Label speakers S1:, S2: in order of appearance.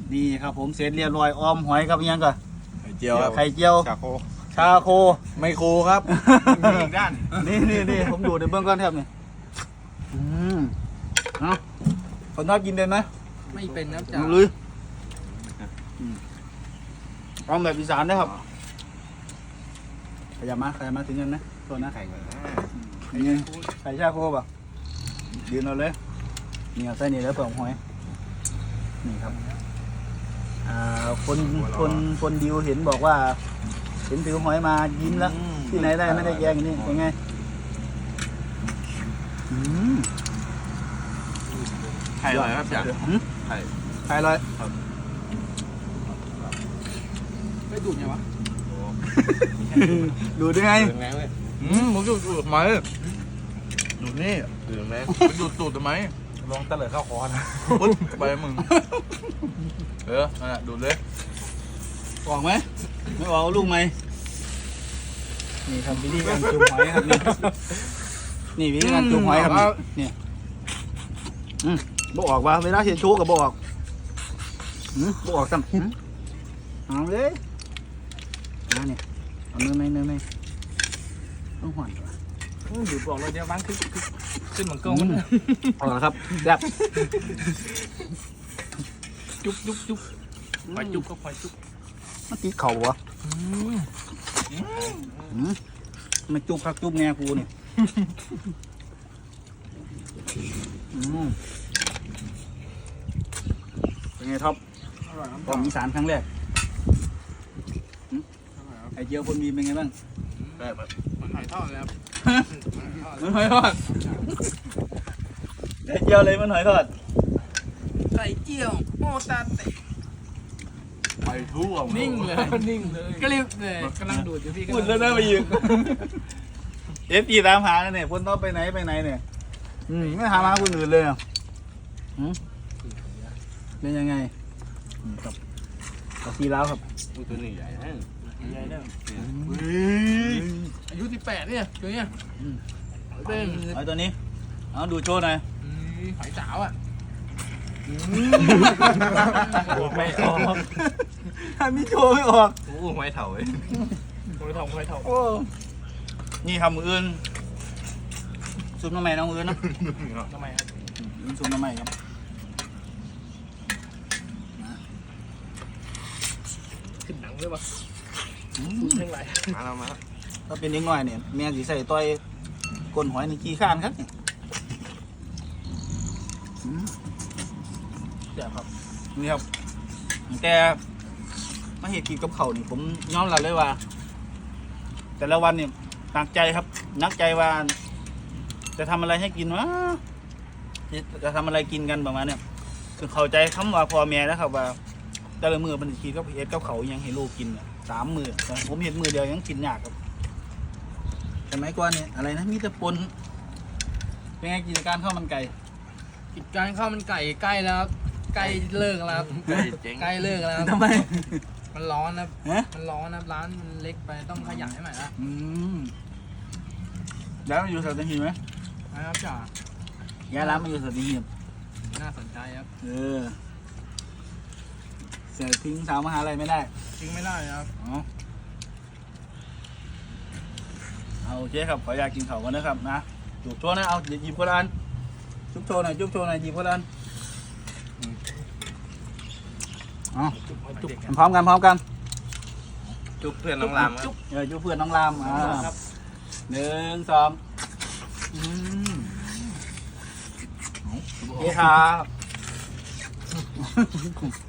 S1: นี่ครับผมเสร็จเรียบร้อยออมหอยครับยังก่อน
S2: ไข่เจียวครับ
S1: ไข่เจียว
S2: ชาโค
S1: ชาโค
S2: ไม่โคครับมีอีกด้าน
S1: นี่ผมดูในเบื้องก้อนแทบนี่เอาคนชอบกินเป็นไหม
S3: ไม่เป็นนะจ๊ะ
S1: ลุยเอาแบบอีสานได้ครับขยับมาถึงเงินนะตัวนะ
S2: ไข่ก่อนนะ
S1: ไข่ชาโคป่ะยืนเอาเลยนี่เอาใส่นี่แล้วเปลือกหอยนี่ครับคนดิวเห็นบอกว่าเห็นถือหอยมายิ้มแล้วที่ไหนได้ไม่ได้แย่งนี่เป็นไง
S2: ไข่อร่อยครับจ๋าไข่
S1: ไข่อร่อย
S3: ไม่ดูดไงวะ
S1: ดูได้ไง
S2: ถึงไงเว้ย
S4: ผมดูดทำไมดูดนี่
S2: ถึงไหม
S4: ดูดตูดทำไม
S2: ลองตะเลิดเข้าคอนะ
S4: ปุ๊บไปมึงนั่นแหละดูดเลย
S1: ออกไหมไม่ออกเอาลูกไหมนี่ทำวิธีการจุ่มหอยครับนี่วิธีการจุ่มหอยครับนี่บ่ออกว่าเวลาเห็นชูกับบ่ออกบ่ออกซ้ำเอาเลยเนี่ยเอาเนื้อไหมต้องหวานก่อน
S3: ดูดบอกเลยเดี๋ยวบ้านขึ้นเหมือนเกินมัน
S1: เอาละครับแบบ
S3: จุ๊บหอยจุ๊บก็หอยจุ๊บ
S1: มันติดเข่าวะมันจุบครับจุบแง่กูเนี่ยเป็นไงท็อปกล่องอีสานครั้งแรกไอเจียวคนมีเป็นไงบ้าง
S3: มันหอยทอดแล้ว
S1: มันหอยทอดไอเจียวเลยมันหอยทอด
S3: ไข่เจียวโมตาเตะ
S4: ไปทั่ว
S3: นิ่งเลยกริบเลยกำลังดูดอยู่พี่
S1: พูดแล้วนะไปยืนเอฟจีตามหาเนี่ยพ้นท็อปไปไหนเนี่ยไม่หามาคนอื่นเลยอ่ะเป็นยังไงกับซีแล้วครับ
S2: ตัวนี้ใหญ่นะ
S3: ใหญ่เนี่ยอายุ18เนี่ยตัวเนี้ยเป็น
S1: ไอ้ตัวนี้เอาดูโชว์หน่อย
S3: หอยสาวอ่ะ
S2: ไม่ออก
S1: ถ้ามีโชว์ไม่ออก
S2: โอ้ไม่เถ่าเลย
S3: หอยทอง
S1: โอ้นี่ทำมืออื่นซุปน้ำใหม่น้องอื่นนะ
S3: ทำไมครับ
S1: ซุปน้ำใหม่ครับ
S3: ขึ้นหนังด้วยปะเรื่องไร
S2: มาแล้วมาแล้ว
S1: ถ้าเป็นเด็กน้อยเนี่ยแม่สีใส่ต้อยก้นหอยในขี้ข้านครับเนี่ยเดี๋ยวครับนี่ครับแต่มาเห็ดกินกับเขาวนี่ผมยอมรับเลยว่า แต่ละวันเนี่ยหนักใจครับนักใจว่า จะทำอะไรให้กินวะจะทำอะไรกินกันประมาณเนี่ยคือเข้าใจคำว่าพ่อแม่นะครับว่าแต่ละมือมันคิดกับเฮ็ดกับเขาวยังให้ลูกกินเนี่ย3 มื้อแต่ผมเห็ดมือเดียวยังกินยากครับสมัยก่อนเนี่ยอะไรนะมีแต่ปนเป็นไงกิจการข้าวมันไก่
S3: กิจการข้าวมันไก่ใกล้แล้วใกล้เลิกแล้ว
S2: เจ๊ง
S3: ใกล้เลิกแล้ว
S1: ทำไม
S3: มันร้อนนะ
S1: ฮะ
S3: มันร้อนนะร้านมันเล็กไปต้องขยายใหม่ละ
S1: แล้วมันอยู่สัตหีบไหม
S3: นะครับจ่า
S1: ย้ายร้านมาอยู่สัตหีบ
S3: น่าสนใจครับ
S1: เสียทิ้งสาวมหาลัยไม่ได้
S3: ทิ้งไม่ได้ครับ
S1: เอาโอเคครับขออยากกินเขากันนะครับนะจุบโชว์นะเอาหยิบคนละอันจุบโชว์หน่อยหยิบคนละอันพร้อมกัน
S2: จุ๊บเพื่อนน้องรามครับ
S1: จุบเพื่อนน้องราม
S3: ครับ
S1: 1 2โอเคครับ